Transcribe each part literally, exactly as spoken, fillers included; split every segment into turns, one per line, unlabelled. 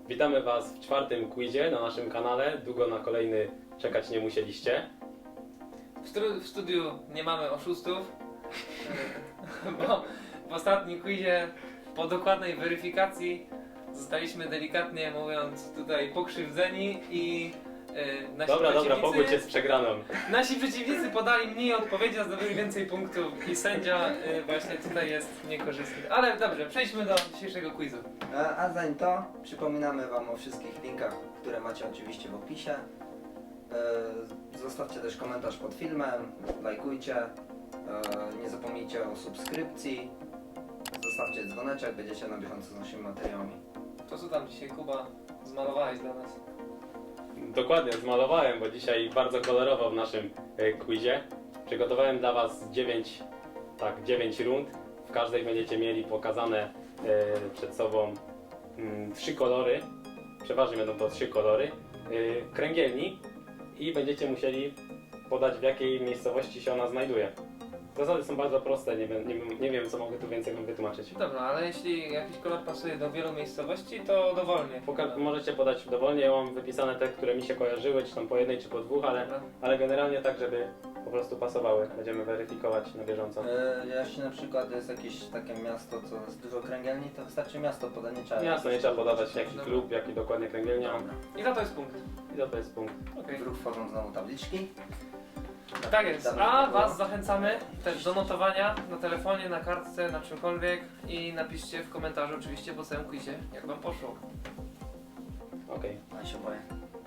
Witamy Was w czwartym quizie na naszym kanale. Długo na kolejny czekać nie musieliście.
W, stru- w studiu nie mamy oszustów, bo w ostatnim quizie po dokładnej weryfikacji zostaliśmy delikatnie mówiąc tutaj pokrzywdzeni i yy, nasi
Dobra, dobra,
przeciwnicy,
pogódź się z przegraną.
nasi przeciwnicy podali mniej odpowiedzi, a zdobyli więcej punktów i sędzia yy, właśnie tutaj jest niekorzystny. Ale dobrze, przejdźmy do dzisiejszego quizu.
A, a zanim to, przypominamy Wam o wszystkich linkach, które macie oczywiście w opisie. E, zostawcie też komentarz pod filmem, lajkujcie, e, nie zapomnijcie o subskrypcji, zostawcie dzwoneczek, będziecie na bieżąco z naszymi materiałami.
To co tam dzisiaj, Kuba, zmalowałeś dla nas?
Dokładnie, zmalowałem, bo dzisiaj bardzo kolorowo w naszym e, quizie. Przygotowałem dla Was dziewięć, tak, dziewięć rund. W każdej będziecie mieli pokazane e, przed sobą mm, trzy kolory. Przeważnie będą to trzy kolory e, kręgielni i będziecie musieli podać, w jakiej miejscowości się ona znajduje. Zasady są bardzo proste, nie wiem, nie, wiem- nie wiem co mogę tu więcej wam wytłumaczyć.
Dobra, ale jeśli jakiś kolor pasuje do wielu miejscowości, to dowolnie.
Poka- możecie podać dowolnie, ja mam wypisane te, które mi się kojarzyły, czy tam po jednej, czy po dwóch, ale,
Dobra.
ale generalnie tak, żeby po prostu pasowały. Będziemy weryfikować na bieżąco.
E, jeśli na przykład jest jakieś takie miasto, co jest dużo kręgielni, to wystarczy miasto podać, nie trzeba...
Jasno, nie trzeba podawać jaki
Dobra.
klub, jaki dokładnie kręgielnia.
Dobra.
I za to jest punkt.
I to, to jest punkt.
Okej.
Wróg tworzą znowu tabliczki.
Tak jest.
Dobra,
A
dobra.
Was zachęcamy też do notowania na telefonie, na kartce, na czymkolwiek i napiszcie w komentarzu oczywiście po całym quizie, jak Wam poszło.
Okej,
Ja się boję.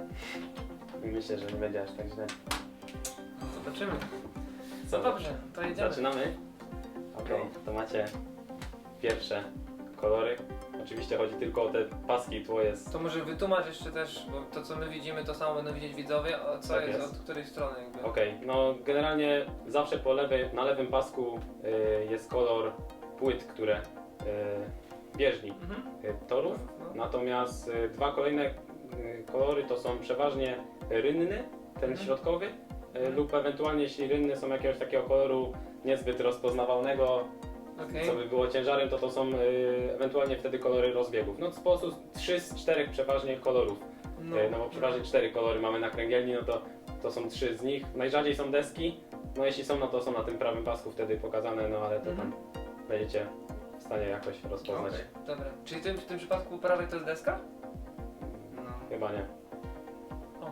myślę, że nie będzie aż tak źle.
Zobaczymy.
Co,
No dobrze, to jedziemy.
zaczynamy? Okej, to macie pierwsze kolory. Oczywiście chodzi tylko o te paski, tło jest...
To może wytłumacz jeszcze też, bo to co my widzimy, to samo będą widzieć widzowie, a co
Tak
jest,
jest.
od której strony jakby.
Okej, no generalnie zawsze po lewej, na lewym pasku y, jest kolor płyt, które y, bieżni
Mhm.
y, torów.
No.
Natomiast y, dwa kolejne y, kolory to są przeważnie rynny, ten
Mhm.
środkowy, y,
Mhm.
lub ewentualnie jeśli rynny są jakiegoś takiego koloru niezbyt rozpoznawalnego,
Okej.
co by było ciężarem, to to są y, ewentualnie wtedy kolory rozbiegów. No w sposób trzy z czterech przeważnie kolorów,
No.
y, no bo przeważnie cztery kolory mamy na kręgielni, no to to są trzy z nich. Najrzadziej są deski, no jeśli są, no to są na tym prawym pasku wtedy pokazane, no ale to
Mhm.
tam będziecie w stanie jakoś rozpoznać.
Okej.
Dobra. Czyli tym, w tym przypadku po prawej to jest deska?
No.
Chyba nie.
O.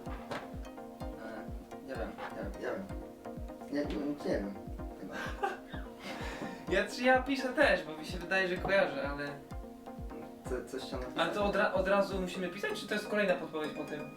E, nie wiem, nie wiem, nie wiem. Nie, nie, nie wiem. Chyba.
Ja, czy ja piszę też, bo mi się wydaje, że kojarzę, ale...
Co, coś chciałem napisać?
Ale to od, ra- od razu musimy pisać, czy to jest kolejna podpowiedź po tym?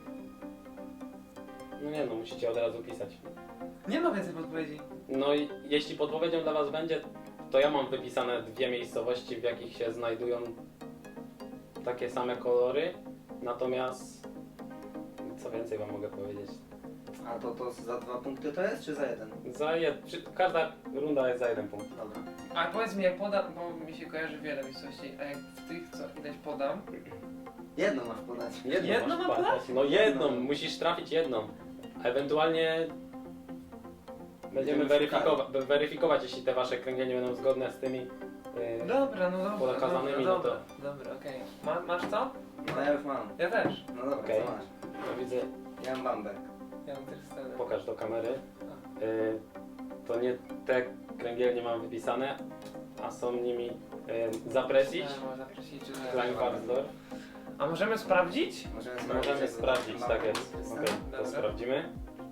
No nie no, musicie od razu pisać.
Nie ma więcej podpowiedzi.
No i jeśli podpowiedzią dla Was będzie, to ja mam wypisane dwie miejscowości, w jakich się znajdują takie same kolory. Natomiast co więcej Wam mogę powiedzieć?
A to, to za dwa punkty to jest, czy za jeden?
Za jed... czy- Każda runda jest za jeden punkt.
Dobra.
A powiedz mi, jak podam, bo mi się kojarzy wiele miejscowości, a jak w tych, co ileś podam,
Jedno masz podać.
Jedną,
Jedną
masz
mam
padać. No jedną,
Jedną.
musisz trafić jedną. A ewentualnie będziemy
Będziemy
weryfikowa- weryfikować, jeśli te Wasze kręgielnie będą zgodne z tymi. Yy,
dobra, no dobra,
Podakazanymi,
dobra,
no to-
dobra, dobra, okej. Ma, masz co?
No ja już mam.
Ja też.
No dobra,
Okej.
co masz?
no widzę,
Ja mam bambek.
Ja mam też scenę.
pokaż do kamery. Yy, to nie te kręgielnie mam wypisane, a są nimi yy, Zapresić,
Trzeba zaprosić, czy nie?
Kleinparsdorf.
A możemy sprawdzić?
Możemy sprawdzić.
Możemy
jak
sprawdzić,
mam
tak jest.
napisane.
Okej, to
Dobra.
sprawdzimy.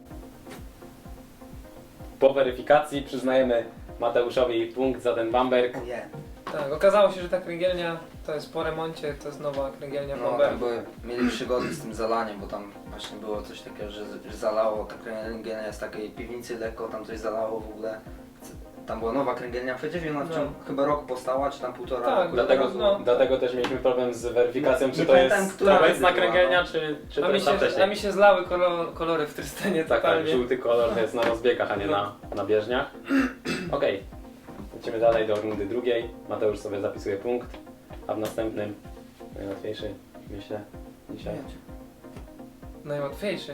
Po weryfikacji przyznajemy Mateuszowi punkt za ten bamberg.
Nie.
Tak, okazało się, że ta kręgielnia to jest po remoncie, to jest nowa kręgielnia
No
Bomber.
tam były, mieli przygody z tym zalaniem, bo tam właśnie było coś takiego, że, że zalało, ta kręgielnia jest w takiej piwnicy lekko, tam coś zalało w ogóle. Tam była nowa kręgielnia przecież i ona w
No.
ciągu chyba roku powstała, czy tam półtora
Tak,
roku.
Dlatego,
No.
dlatego też mieliśmy problem z weryfikacją,
Nie-
czy
nie
to
pamiętam,
jest
która
obecna
była,
kręgielnia,
no.
czy, czy
A
to
mi,
jest ta
się, a
wcześniej.
mi się zlały kolor, kolory w Trystanie
Tak, tak,
totalnie.
żółty kolor jest na rozbiegach, a nie
No.
na, na bieżniach. Okej, lecimy dalej do rundy drugiej. Mateusz sobie zapisuje punkt, a w następnym, najłatwiejszy, myślę, dzisiaj.
Najłatwiejszy.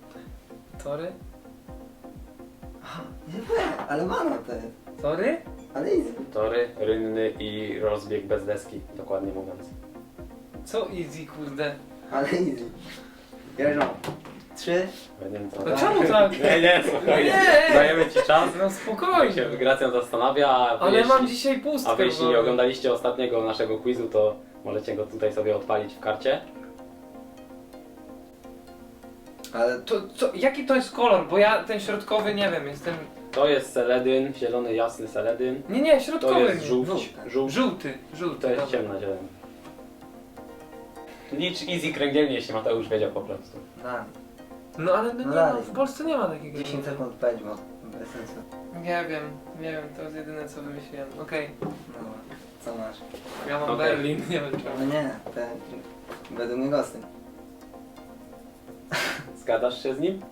Tory?
Aha, nie wiem, ale mana to jest.
Tory?
Ale easy.
Tory, rynny i rozbieg bez deski, dokładnie mówiąc.
Co easy, kurde?
Ale easy. Jeżdżą. Trzy.
Ja nie wiem co.
No czemu tak?
Nie, nie, spokojnie.
Nie!
Dajemy ci czas.
No
Jak się
spokojnie.
Gracjan zastanawia, a wy
Ale
jeśli,
mam dzisiaj pustkę.
a wy jeśli
bo-
nie oglądaliście ostatniego naszego quizu, to możecie go tutaj sobie odpalić w karcie.
Ale
To, co, jaki to jest kolor? Bo ja ten środkowy nie wiem, jestem...
To jest seledyn, zielony, jasny seledyn.
Nie, nie,
To
środkowy.
jest
nie.
żółć,
żółty.
żółć.
Żółty, żółty.
To jest
dobra.
ciemna zieleń. Licz easy kręgielnie, jeśli Mateusz wiedział po prostu.
na
No ale no,
No
nie, no,
dalej.
w Polsce nie ma takiego.
dziesięć sekund pędź, bo bez sensu.
Nie wiem, nie wiem, to jest jedyne co wymyśliłem. Okej,
No, co masz?
ja mam
Okej.
Berlin, nie wiem
No
czemu.
nie, ten... Według mnie Gosty.
Zgadzasz się z nim?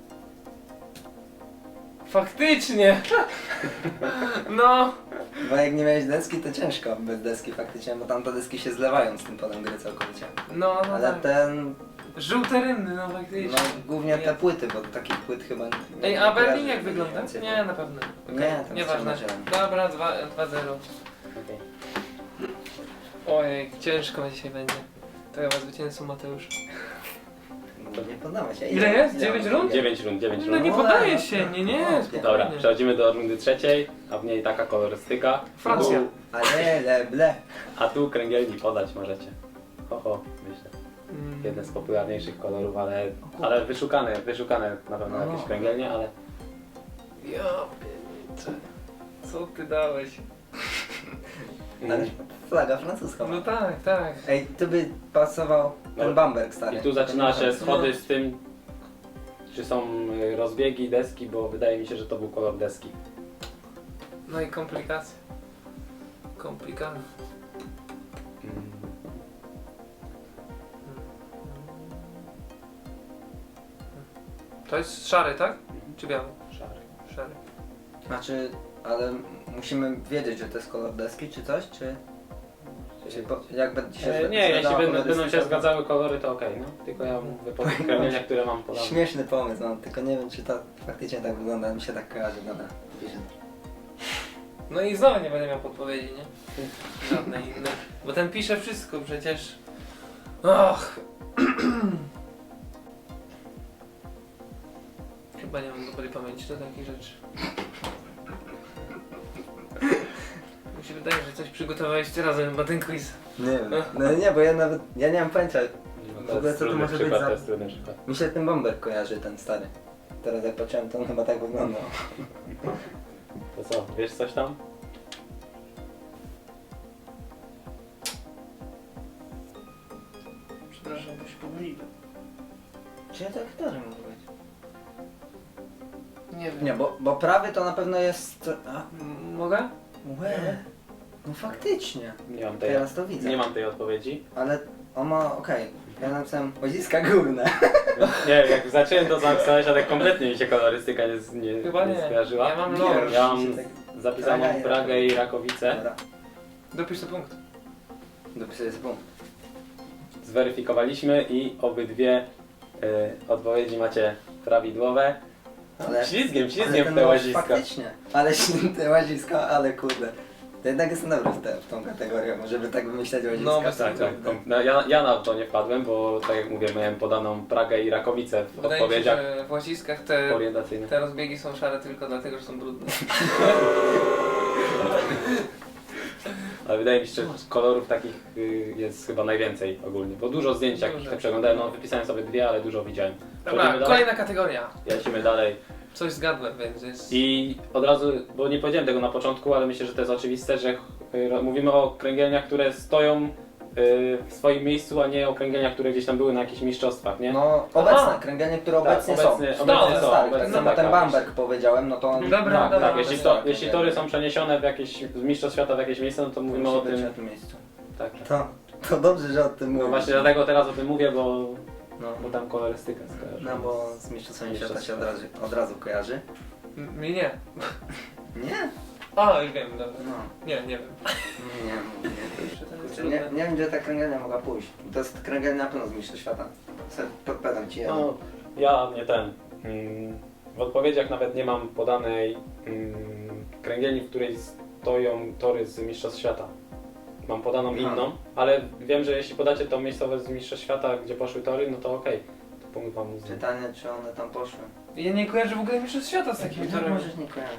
Faktycznie! No!
Bo jak nie miałeś deski, to ciężko bez deski faktycznie, bo tamte deski się zlewają z tym polem gry całkowicie.
No, no
Ale
tak.
ten...
Żółte rynny, no faktycznie.
No głównie te płyty, bo takich płyt chyba nie
Ej,
nie
a
kojarzę,
Berlin jak
żeby
wygląda?
więcej
Nie, na pewno.
Nie,
Okay.
tam
Nieważne.
jest ciemna
Dobra, dwa zero.
Okej.
Ojej, ciężko dzisiaj będzie. To ja was zwycięzcą, Mateusz.
było. Nie poddamy się.
Ile jest? Dziewięć rund?
dziewięć rund, dziewięć
No
rund.
nie
No,
podaje
no,
się,
no,
nie, nie,
no,
spokojnie.
Dobra, przechodzimy do rundy trzeciej, a w niej taka kolorystyka.
Francja.
Tu,
Ale, le, ble.
a tu kręgielni podać możecie. Ho, ho, myślę.
Mm.
Jeden z popularniejszych kolorów, ale, ale wyszukane, wyszukane na pewno
No.
jakieś kręgielnie, ale
Ja pierniczę. Co ty dałeś?
Ale flaga francuska.
No tak, tak.
Ej, tu by pasował ten
No.
Bamberg stary.
I tu zaczyna się
No.
schody z tym, czy są y, rozbiegi deski, bo wydaje mi się, że to był kolor deski.
No i komplikacje. Komplikacje.
Mm.
To jest szary, tak? Czy biały?
Szary.
Szary.
Znaczy, ale musimy wiedzieć, że to jest kolor deski czy coś, czy... czy po, jak będzie się
E, nie, jeśli
zgadzała
będą, będą się
kolorystyka, to-
zgadzały kolory, to okej, no. Tylko ja mówię po tych kręgielniach, które mam podane.
Śmieszny pomysł mam, tylko nie wiem, czy to faktycznie tak wygląda, mi się tak kojarzy, dobra. piszę.
No i znowu nie będę miał podpowiedzi, nie? Żadnej innej. Bo ten pisze wszystko przecież. Och. Chyba nie mam dobrej pamięci do takich rzeczy. Mi się wydaje, że coś przygotowaliście razem chyba ten quiz.
Nie wiem, no nie, bo ja nawet, ja nie mam pojęcia,
No,
W
to
ogóle
jest
co to
trudny
może być
przykład,
za-
to jest trudny przykład.
mi się ten Bamberg kojarzy, ten stary. Teraz jak patrzyłem, to on chyba tak wyglądał.
To co, wiesz coś tam?
Przepraszam, bo się pomyliłem.
Czy ja tak też mogę być?
Nie wiem.
Nie, bo, bo prawy to na pewno jest... A,
M- Mogę?
łe, no faktycznie.
Nie mam tej,
Teraz to widzę.
nie mam tej odpowiedzi.
Ale on ma, okej, ja napisałem łaziska górne.
Nie, jak zacząłem to zapisać, ale kompletnie mi się kolorystyka nie, nie,
Chyba
nie
nie.
skojarzyła.
Ja mam
Nie,
lore.
Ja mam
się tak-
zapisaną
Praga i
Pragę i Rakowice.
Dobra,
Dopisz sobie punkt.
dopisuję sobie punkt.
Zweryfikowaliśmy i obydwie y, odpowiedzi macie prawidłowe.
Ale,
Ślizgiem,
ale
ślizgiem
ten
w te
nóż
łaziska.
Faktycznie, ale te łaziska, ale kurde. To jednak jestem dobry w, te, w tą kategorię, żeby tak wymyślać łaziska.
No, bez
Tak, tak.
Kurde.
No, ja, ja na to nie wpadłem, bo tak jak mówię, miałem podaną Pragę i Rakowice w
Wydaje mi się,
odpowiedziach
że w łaziskach te,
orientacyjnych.
te rozbiegi są szare tylko dlatego, że są brudne.
Ale wydaje mi się, że kolorów takich y, jest chyba najwięcej ogólnie, bo dużo zdjęć jak
Dużo.
te przeglądałem, no wypisałem sobie dwie, ale dużo widziałem.
Dobra,
Przechodzimy dalej?
kolejna kategoria.
Lecimy dalej.
Coś zgadłem, więc jest...
I od razu, bo nie powiedziałem tego na początku, ale myślę, że to jest oczywiste, że y, mówimy o kręgielniach, które stoją y, w swoim miejscu, a nie o kręgielniach, które gdzieś tam były na jakichś mistrzostwach, nie?
No, obecne,
Aha.
kręgielnie, które
Tak,
obecnie
obecnie-
są.
obecnie
No,
są,
stary,
obecnie
tak samo
tak,
ten
tak.
Bamberg powiedziałem, no to on...
Dobra,
tak,
dobra,
tak, jeśli,
dobra.
to, jeśli tory są przeniesione w jakieś, z mistrzostw świata w jakieś miejsce, no to mówimy
musi
o
być
tym.
na tym miejscu.
Tak.
To, to dobrze, że o tym
No
mówisz.
właśnie dlatego teraz o tym mówię, bo,
No,
bo tam kolorystyka skojarzy.
no bo z mistrzostwami świata się
Mistrzostw
od razu, od razu kojarzy.
M- Mi nie.
Nie?
A, już wiem, dobra.
No,
Nie, nie wiem.
nie, nie.
Jeszcze ten jest
Kurczę, nie,
trudny.
nie wiem, gdzie ta kręgielnia mogła pójść. To jest kręgielnia na pewno z mistrzostw świata. Se podpowiadam ci jedno.
No, ja nie ten. Mm, w odpowiedziach nawet nie mam podanej mm, kręgielni, w której s- stoją tory z Mistrzostw Świata. Mam podaną
Aha.
inną, ale wiem, że jeśli podacie tą miejscowość z Mistrzostw Świata, gdzie poszły tory, no to okej. To punkt wam uznam.
Pytanie, czy one tam poszły.
Ja nie kojarzę w ogóle mistrzostw świata z takimi
Jak
torami.
możesz nie kojarzyć?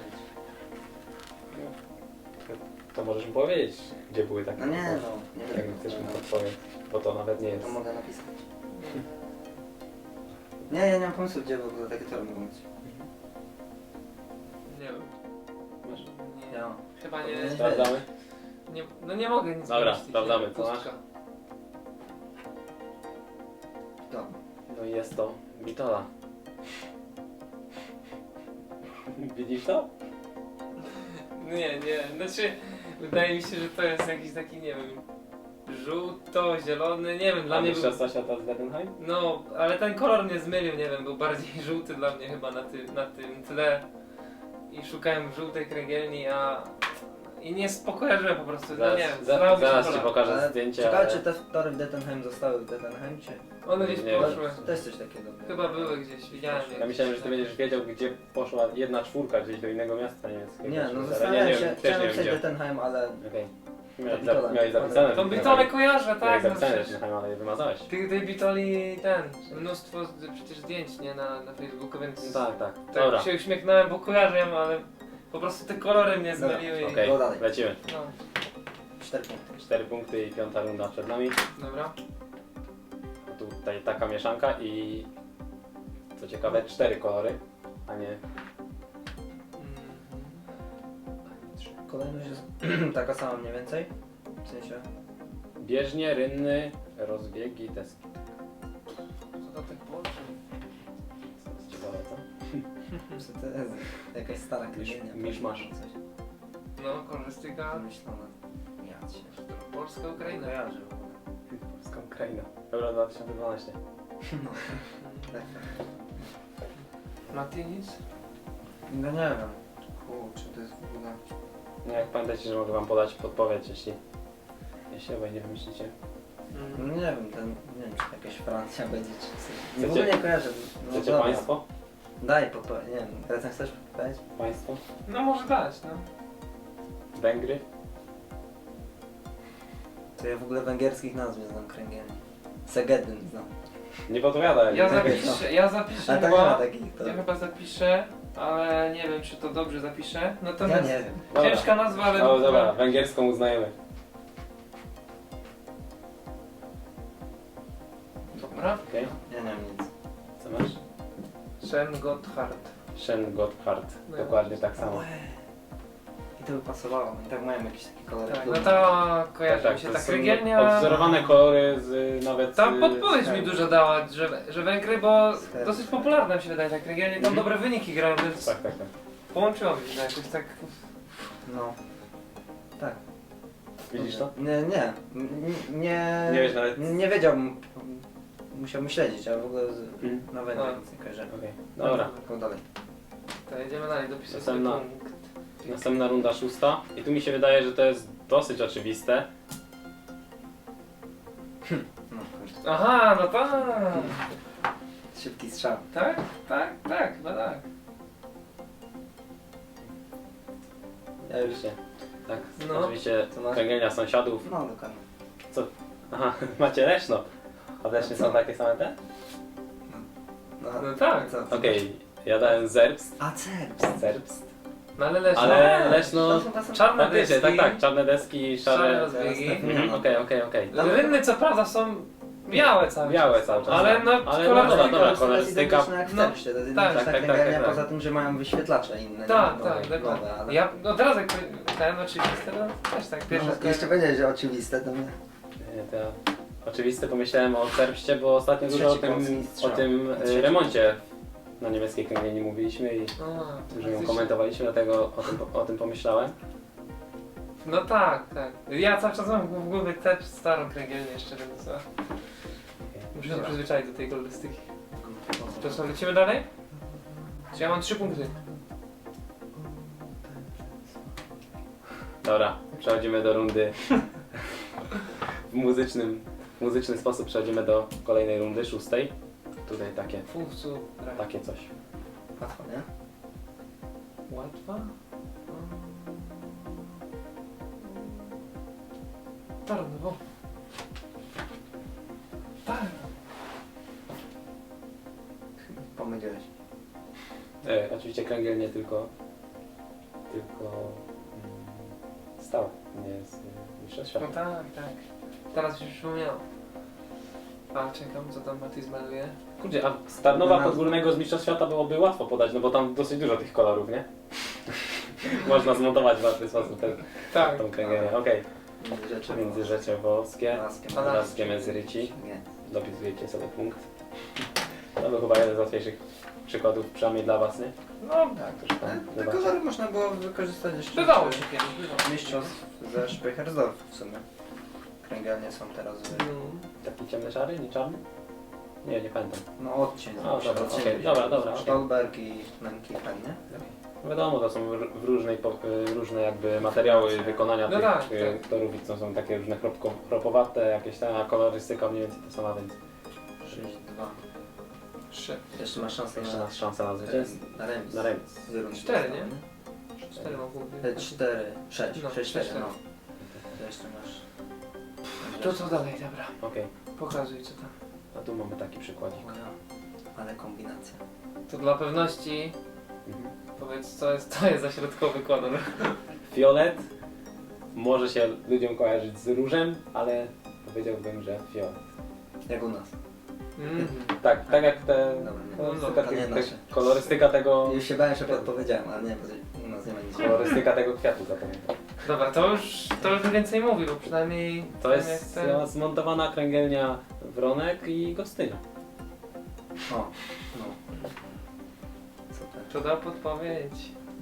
To możesz mi powiedzieć, gdzie były takie.
No nie no, nie
Jak
wiem.
chcesz mi podpowiedź, bo to nawet nie jest.
To mogę napisać. Nie, ja nie mam pomysłu, gdzie w ogóle takie tory mogą być.
Nie wiem.
Masz?
Nie.
Ja.
Chyba
Nie.
nie,
Sprawdzamy?
nie. No nie mogę nic
Dobra,
wymyślić,
sprawdzamy,
nie?
co masz?
Pustka.
To.
No i jest to Bitola. Widzisz to?
Nie, nie, znaczy wydaje mi się, że to jest jakiś taki, nie wiem, żółto-zielony, nie wiem, dla
A
mnie był,
Mistrzostwa Świata z Bettenheim?
no, ale ten kolor mnie zmylił, nie wiem, był bardziej żółty dla mnie chyba na, ty, na tym tle i szukałem żółtej kręgielni, a i nie spokojarzyłem po prostu, no
Zaraz,
nie wiem,
za,
zdawało mi się
zaraz ci
kolor.
pokażę
Ale
zdjęcie,
ciekawe,
ale...
czy te tory w Dettenheim zostały w Dettenheim, czy...
One gdzieś
Nie wiem.
poszły,
To jest coś takiego.
chyba były gdzieś, widziałem je.
Ja myślałem, że ty będziesz wiedział, gdzie poszła jedna czwórka gdzieś do innego miasta niemieckiego.
Nie, no
Ale
zastanawiałem
nie,
się,
nie, też
chciałem
nie wiem
napisać
gdzie.
Dettenheim, ale...
Okej. Miałeś,
Bitola.
za, miałeś zapisane.
Tą bitolę kojarzę,
Miałeś
tak, no
zapisane
przecież.
Bettenheim, ale je wymazałeś.
Tych tej bitoli, ten, mnóstwo z- przecież zdjęć, nie, na, na Facebooku, więc...
Tak, tak.
Tak
Dobra,
się uśmiechnąłem, bo kojarzę, ale po prostu te kolory mnie
Dobra,
zmyliły.
okej,
Go dalej.
lecimy.
No,
Cztery punkty.
Cztery punkty i piąta runda przed nami.
dobra.
Tutaj taka mieszanka i... Co ciekawe, cztery kolory, a nie...
Mhm.
Kolejność jest taka sama mniej więcej. W sensie...
Bieżnie, rynny, rozbiegi, deski.
Co to tak połączy?
Co jest ciekawe, co?
Co to jest? Jakaś stara kręgielnia.
misz masz.
Coś
No, kolorystyka,
wymyślone. Ja cię.
Polska, Ukraina.
Kojarzę w ogóle.
Polska Ukraina. Euro dwa tysiące dwanaście.
No. Tak.
Mati nic?
No nie wiem. Kurczę, to jest w ogóle...
No jak pamiętajcie, że mogę wam podać podpowiedź, jeśli... Jeśli obaj nie wymyślicie.
No
Mm.
nie wiem, ten, nie wiem, czy jakaś Francja będzie, czy coś. Nie, w
Chcecie-
ogóle nie kojarzę. No
Chcecie
dobra.
państwo?
Daj podpowiedź, nie wiem, teraz chcesz podpowiedź?
Państwo?
No może dać, no.
Węgry?
To ja w ogóle węgierskich nazw nie znam kręgielni. Segedyn znam.
Nie podpowiadaj.
Ja
nie
zapiszę, ja zapiszę
Ale tak nie ma
chyba,
takich to.
ja chyba zapiszę, ale nie wiem czy to dobrze zapiszę.
Ja
Natomiast
nie wiem.
Dobra.
ciężka nazwa, ale...
No dobra, węgierską uznajemy.
Dobra.
Okej.
Ja nie wiem nic.
Co masz?
Shen Gotthard.
Shen Gotthard.
No.
Dokładnie tak samo.
Łe. I to by pasowało. I tak mają jakieś takie kolory.
Tak, no to kojarzy mi się
to
ta
są
kręgielnia.
Odwzorowane kolory z nawet...
Tam
z-
podpowiedź
z-
mi dużo dała, że, że Węgry, bo
Scherz.
dosyć popularna mi się wydaje ta kręgielnia, tam
Mhm.
dobre wyniki grają, więc
Tak, tak, tak.
połączyło mi się to jakoś tak...
No. Tak.
Widzisz to?
Nie, nie. N- Nie,
Nie wiesz nawet-
Nie wiedziałbym. Musiałbym śledzić, ale w ogóle z,
Mhm.
na Węgrzech
A.
nic nie kojarzę.
Okej. Dobra.
Go dalej.
To jedziemy dalej, dopisuję
Następna.
sobie punkt.
Następna runda szósta. I tu mi się wydaje, że to jest dosyć oczywiste.
No, kurde.
Aha, no tak,
Szybki strzał.
tak, tak, tak, chyba tak.
Ja już...
Oczywiście. Tak,
No.
oczywiście
Co masz?
kręgielnia sąsiadów.
No, dokładnie.
Aha, macie Leszno. A w Lesznie
Co?
są takie same te?
No,
No tak.
Co?
Okej, ja dałem Zerbst.
A, Cerbst.
Zerbst.
No ale Leszno.
Ale Leszno...
To chyba są-
Czarne
Faktycznie, tak,
deski.
tak, czarne deski,
Szare
szare...
rozbiegi.
Mhm, Okej, okej, okej.
Rynny co prawda są białe cały
Białe
czas.
cały czas.
Ale no,
Ale
kolorystyka-
dobra, dobra,
To jest
kolorystyka.
identyczne jak w
No,
Cerbście, to jest
tak,
identyczna
tak, tak,
kręgielnia,
tak, tak.
poza tym, że mają wyświetlacze inne.
Tak,
nie?
tak,
Nowe,
dokładnie.
nowe, ale...
Ja od razu jak ten oczywiście, no też tak, pierwszy
No, jeszcze powiedziałeś, że oczywiste, to mnie...
Nie, to ja oczywiste pomyślałem o Zerbście, bo ostatnio dużo o
Trzeci
tym,
polski
o
strzał.
tym e,
Trzeci.
remoncie na niemieckiej kręgielni mówiliśmy i
A,
dużo ją
faktycznie.
komentowaliśmy, dlatego o tym, o tym pomyślałem.
No tak, tak. Ja cały czas mam w głowie też starą kręgielnię jeszcze, więc no, muszę się
Dobra.
przyzwyczaić do tej kolorystyki. To co, lecimy dalej? Czy ja mam trzy punkty?
Dobra, przechodzimy do rundy w muzycznym, w muzyczny sposób przechodzimy do kolejnej rundy, szóstej. Tutaj takie,
Fufcu, tak.
takie coś.
Łatwo, nie?
Łatwa? Tarnowo. Tarnowo.
Pomyliłeś.
E, oczywiście kręgiel nie tylko, tylko mm, stałe, nie z y, mistrzostw
No
świata.
tak, tak. Teraz mi się przypomniało. A czekam, co tam Mati zmaluje.
Kurde, a z Tarnowa
No.
Podgórnego z mistrzostw świata byłoby łatwo podać, no bo tam dosyć dużo tych kolorów, nie? Można zmontować w łatwy sposób ten,
Tak.
tą kręgielnię. Okej,
Rzeczy
Międzyrzeczewowskie,
Laskiem.
Laskie Mędzyryci.
Nie.
Dopisujecie sobie punkt. To był chyba jeden z łatwiejszych przykładów, przynajmniej dla was, nie?
No,
Tak, to już tam
Te
wybaczę.
kolory można było wykorzystać jeszcze
bywało
w
się kiedyś, bywało.
mistrzostw ze Speychersdorf w sumie. Kręgielnie są teraz w...
No.
Taki ciemny szary, nie czarny? Nie, nie pamiętam.
No odcień.
A,
muszę
dobra,
odcień
okej,
wziąć.
dobra, dobra, okej.
Stolberg i Menkichen, nie?
Wiadomo, to są r- w różnej, po- y, różne jakby materiały wykonania
No
tych
tak,
y,
tak.
torów i to są takie różne chropko, chropowate, jakieś tam, a kolorystyka mniej więcej ta sama, więc
sześć dwa.
Trzy.
Jeszcze masz szansę
jeszcze
na,
masz szansę na zwycięstwo.
na remis.
Na remis.
Z rundy
Cztery,
zostało,
nie? Cztery mogą
E,
być.
Cztery, sześć,
No,
sześć, cztery,
sześć,
no. To jeszcze masz...
To co dalej, dobra.
Okej,
Pokazuj co tam.
a tu mamy taki przykładzik.
O ja, ale kombinacja.
To dla pewności
Mhm.
powiedz co jest, to jest za środkowy kolor.
Fiolet może się ludziom kojarzyć z różem, ale powiedziałbym, że fiolet.
Jak u nas.
Mhm.
Tak, tak jak te
Dobra, nie.
kolorystyka,
To nie
tych-
nasze.
tych- kolorystyka tego
Już się bałem, że podpowiedziałem, ale nie, bo u nas nie ma nic.
kolorystyka tego kwiatu zapamiętam.
Dobra, to już, to już więcej mówi, bo przynajmniej...
To
wiem,
jest
jak ten-
zmontowana kręgielnia Wronek i Gostynia.
O, no. Super.
To da podpowiedź.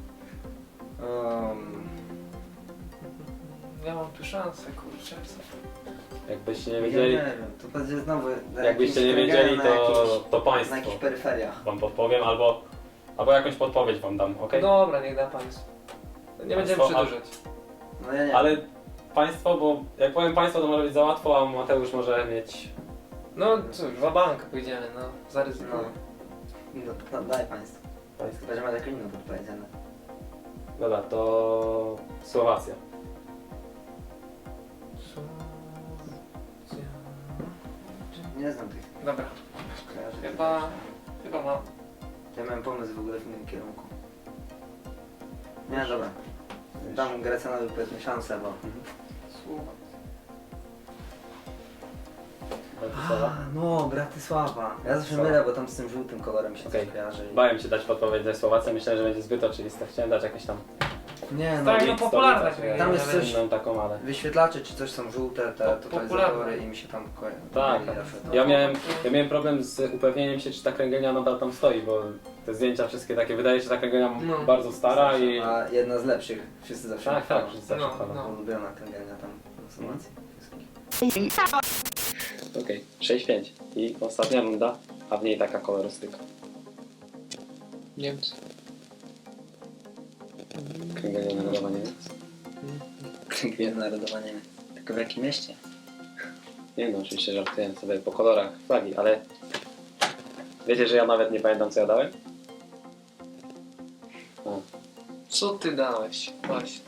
Um,
Ja mam tu szansę, kurczę.
Jakbyście nie
ja
wiedzieli,
nie wiem, to będzie znowu... na
jakbyście nie
jakimś
wiedzieli,
na
to,
jakichś-
to
Na
państwo
jakichś peryferiach.
wam podpowiem, albo, albo jakąś podpowiedź wam dam, ok?
Dobra, niech da państwo. Nie będziemy
Państwo, a-
przedłużać.
No ja nie
Ale państwo, bo jak powiem państwo, to może być za łatwo, a Mateusz może mieć...
No cóż, wabank pójdziemy, no.
No.
Zaryzykujemy.
No, no daj państwu.
Państwo.
Chyba, że ma jakąś inną podpowiedziane.
Dobra, to Słowacja.
Nie znam tych
Dobra,
kojarzeń.
chyba... Chyba mam.
Ja miałem pomysł w ogóle w innym kierunku. Nie, dobra. Dam Grecjanowi powiedzmy szansę, bo...
Słowa.
Bratysława.
no, Bratysława. Ja zawsze
Sława.
mylę, bo tam z tym żółtym kolorem się
Okej.
coś kojarzy. i-
Bałem się dać podpowiedź ze Słowacji, myślałem, że będzie zbyt oczywista. Chciałem dać jakieś tam
Nie no,
Tak, no
stolica,
popularna
czy
kręgielnia,
Tam jest
ale-
coś-
inną taką, ale...
wyświetlacze czy coś są żółte, te
Po-
totalizatory
popularne.
i mi się tam kojarzy.
Tak.
myli zawsze to.
Ja miałem, ja miałem problem z upewnieniem się, czy ta kręgielnia nadal tam stoi, bo te zdjęcia wszystkie takie, wydaje się, że ta kręgielnia
No.
bardzo stara i...
A jedna z lepszych. Wszyscy zawsze
Tak,
chwalą.
tak, wszyscy zawsze
No,
chwalą.
no.
Ulubiona kręgielnia tam na Słowacji. wszystkich.
Okej, sześć pięć. I ostatnia runda, a w niej taka kolorystyka.
Niemcy.
Kręgielnia narodowa Niemiec.
Kręgielnia narodowa nie wiem. Tylko w jakim mieście?
Nie no, oczywiście żartuję sobie po kolorach flagi, ale... Wiecie, że ja nawet nie pamiętam, co ja dałem? A,
Co ty dałeś? Właśnie.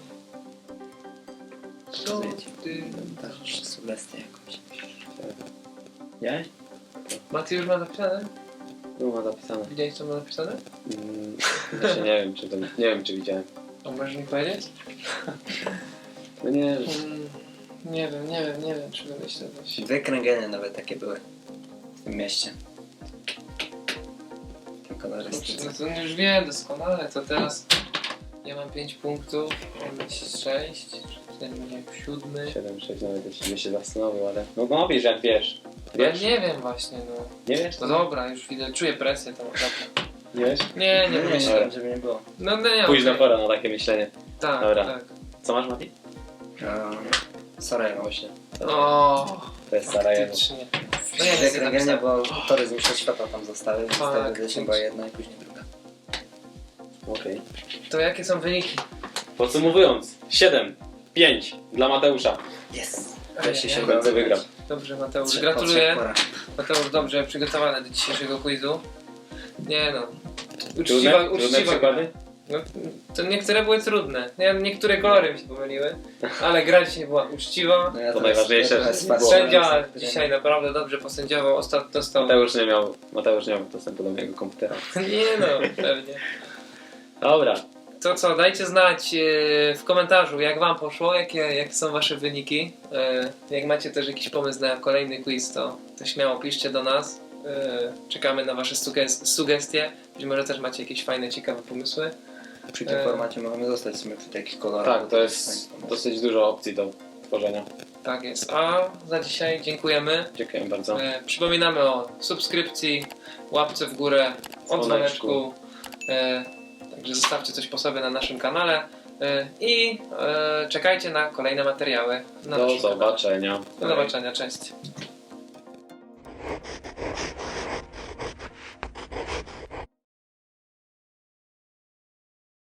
Co
Wiecie.
ty...
Też sugestię jakąś.
ja?
Maty już ma napisane?
Tu ma zapisane.
Widziałeś co ma napisane?
Mm, Właśnie nie wiem, czy to... Nie wiem, czy widziałem.
A możesz mi powiedzieć?
No nie wiem.
Mm, nie wiem, nie wiem, nie wiem czy wymyślę coś.
Dwie kręgielnie nawet takie były w tym mieście. Te
Kurczę,
kolorystyce.
no to już wiem doskonale, to teraz ja mam pięć punktów, mam mieć sześć, ten będzie siódmy.
siedem sześć nawet jeśli by się zastanowił, ale... No no wiesz, jak wiesz.
Ja
Wiesz?
nie wiem właśnie, no.
Nie wiesz?
To dobra, już widzę, czuję presję tą dobra.
Nie wiesz?
Nie, nie
Nie, nie,
wymyślę.
nie, żeby nie było.
No no nie,
Późna
okej.
pora na takie myślenie.
Tak,
Dobra.
tak.
Co masz, Mati?
Um, Sarajewo.
Właśnie.
O,
To jest Sarajewo.
faktycznie. No ja
Dwie
nie
kręgielnie,
napisałem.
bo tory z mistrzostw świata tam zostały. Zostały
Tak,
edycji była jedna i później druga.
Okej.
To jakie są wyniki?
Podsumowując, siedem pięć dla Mateusza.
Yes!
Ej,
Wreszcie
ej,
się
w końcu
udało
wygrał.
wygrać.
Dobrze Mateusz,
Trze- po
gratuluję.
trzech porach.
Mateusz dobrze przygotowany do dzisiejszego quizu. Nie no.
Trudne,
Uczciwa,
trudne
uczciwa
przykłady?
gra. No, to niektóre były trudne. Nie, niektóre kolory mi się pomyliły, ale gra dzisiaj była uczciwa.
No ja
To
teraz-
najważniejsze,
ja teraz
że
patrzę
Sędzia
na-
dzisiaj naprawdę dobrze posędziował. Ostatnio dostał...
Mateusz nie miał, Mateusz nie miał dostępu do mojego komputera.
Nie no, pewnie.
Dobra,
To co, dajcie znać e, w komentarzu, jak wam poszło, jakie, jakie są wasze wyniki. E, jak macie też jakiś pomysł na kolejny quiz, to, to śmiało piszcie do nas. E, czekamy na wasze suges- sugestie. Być może też macie jakieś fajne, ciekawe pomysły.
Przy tym
E,
formacie możemy zostać w sumie przy takich kolorach.
tak,
bo
to jest
fajny pomysł.
dosyć dużo opcji do tworzenia.
Tak jest. A za dzisiaj dziękujemy.
Dziękuję bardzo.
E, przypominamy o subskrypcji, łapce w górę, o
Dzwoneczku.
dzwoneczku. E, także zostawcie coś po sobie na naszym kanale. E, I e, czekajcie na kolejne materiały. Na
Do
naszym kanale.
zobaczenia.
Do zobaczenia, cześć.